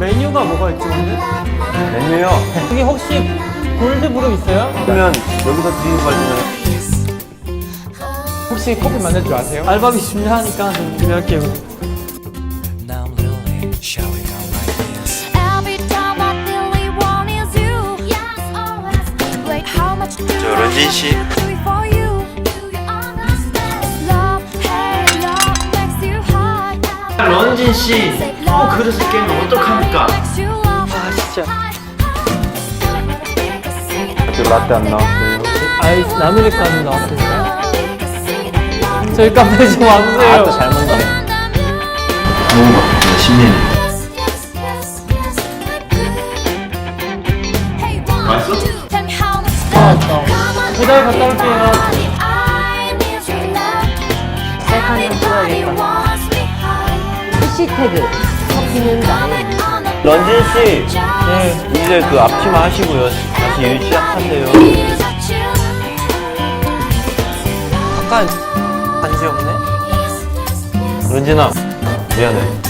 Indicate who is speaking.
Speaker 1: 메뉴가 뭐가 있죠, 근데?
Speaker 2: 메뉴요?
Speaker 1: 여기 혹시 골드브루 있어요?
Speaker 2: 그러면 여기서 드리는 걸로
Speaker 1: 혹시 커피 만들 줄 아세요? 알바비 준비하니까 좀 준비할게요.
Speaker 3: Now I'm lonely, shall we go like this?
Speaker 4: Every time I really want is you. Yes, always. Wait, how much do
Speaker 2: 저 런쥔 씨.
Speaker 4: I do it for you? Do you understand? Love, hate, love makes you high.
Speaker 2: 런쥔 씨, 그릇을 깨면 어떡합니까?
Speaker 4: Makes you love.
Speaker 1: 아, 진짜.
Speaker 2: 아직 라떼 안 나왔어요.
Speaker 1: 아이스 아메리카노 나왔습니다. 저희 카페 좀 와주세요.
Speaker 2: 아또 잘 먹네. 뭔가 신메뉴. 맛있어?
Speaker 1: 맞다. 배달 갔다 올게요.
Speaker 5: 셀카는 찍어야겠다. 해시태그 커피는 나의
Speaker 2: 런쥔 씨,
Speaker 1: 네.
Speaker 2: 이제 그 앞치마 하시고요. 다시 일 시작한대요.
Speaker 1: 약간 관심 없네.
Speaker 2: 런쥔아, 미안해.